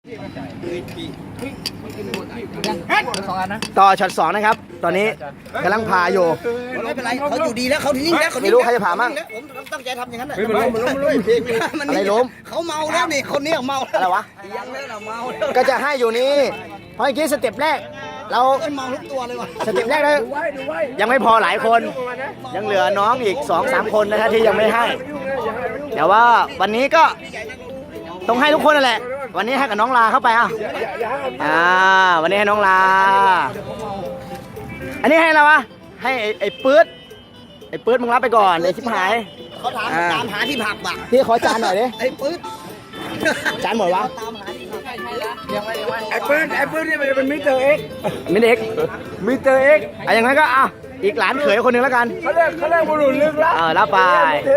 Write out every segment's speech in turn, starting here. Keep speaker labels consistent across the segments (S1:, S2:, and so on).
S1: ต่อช็อต2นะครับตอนนี้กำลังพาอยู่
S2: ไม่เป็นไรเขาอยู่ดีแล้วเขานิ่งแล้ว
S1: ไม่รู้ใครจะผ่ามั่ง
S2: ผมตั้งใจทำอย่างนั้นแหละ
S1: อะไรล้ม
S2: เขาเมาแล้วนี่คนนี้เมา
S1: อะไรวะ
S2: ยังไม่เมา
S1: ก็จะให้อยู่นี่เพราะเมื่อกี้สเต็ปแรกเรา
S2: เมาทุกตัวเลยว่ะ
S1: สเต็ปแรกแล้วยังไม่พอหลายคนยังเหลือน้องอีก 2-3 คนนะฮะที่ยังไม่ให้แต่ว่าวันนี้ก็ต้องให้ทุกคนนั่นแหละวันนี้ให้กับน้องลาเข้าไปวันนี้ให้น้องลาอันนี้ให้อะไรวะให้ไอ้ปื๊ดมึงรับไปก่อนเลยชิบหาย
S2: เขาถามหาที่ผักบ่ะ
S1: พี่ขอจานหน่อยดิ
S2: ไอ้ปื๊ด
S1: จานหมดวะ
S3: ไอ้ปืนนี่มันเป็นมิสเตอร์เอ็ก
S1: อย่างนั้นก็อีกหลานเขยคนหนึ่งแล้วกัน
S3: เขาเรียกบุรุษลึกลับ
S1: รับไป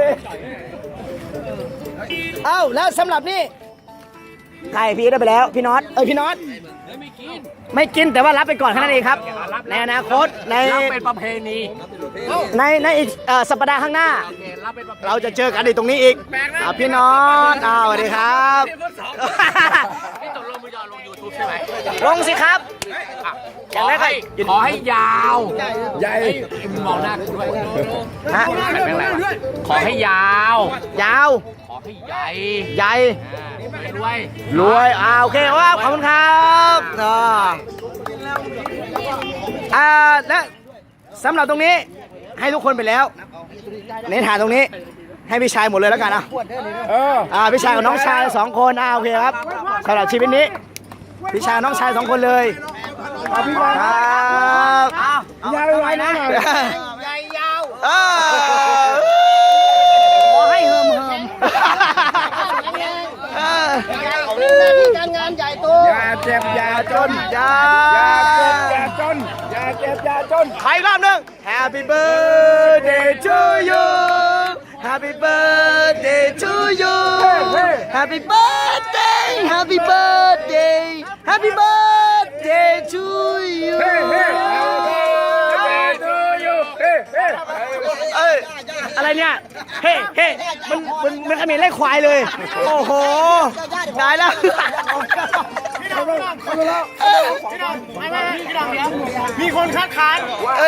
S1: แล้วสำหรับนี่ใครพี่ได้ไปแล้วพี่น็อตพี่น็อตไม่กินแต่ว่ารับไปก่อนแค่นั้นเองครับในอนาคตใน
S3: เป็นประเพณี
S1: ในอีกสัปดาห์ข้างหน้าเราจะเจอกันในตรงนี้อีกพี่น็อตสวัสดีครับ
S3: นี่ตกลงมือจะลง YouTube ใช่ไหม
S1: ลงสิครับ
S3: ขอให้ยาวใหญ่มองหน้ากูด้วยขอให้ยาวขอให้ใหญ่
S1: รวยโอเคว่าขอบคุณครับและสำหรับตรงนี้ให้ทุกคนไปแล้วในฐานตรงนี้ให้พี่ชายหมดเลยแล้วกันพี่ชายกับน้องชาย2 คนโอเคครับสำหรับชีวิตนี้พี่ชายน้องชาย2 คนเลยครับ
S3: ยาวไว้นะ
S2: ยาว
S1: ขอให้เฮิม
S2: การงานใหญ่โต
S3: อย่าเจ็บอย่าจน
S1: อย่า
S3: เจ็บอย่าจน
S1: ใครรอบนึง Happy birthday to you Happy birthday to you Happy birthday Happy birthday Happy birthday to you อะไรเนี่ยเฮ้มันขมิ้นไล่ควายเลยโอ้โหตายแล้ว
S3: มีคนคัดค้าน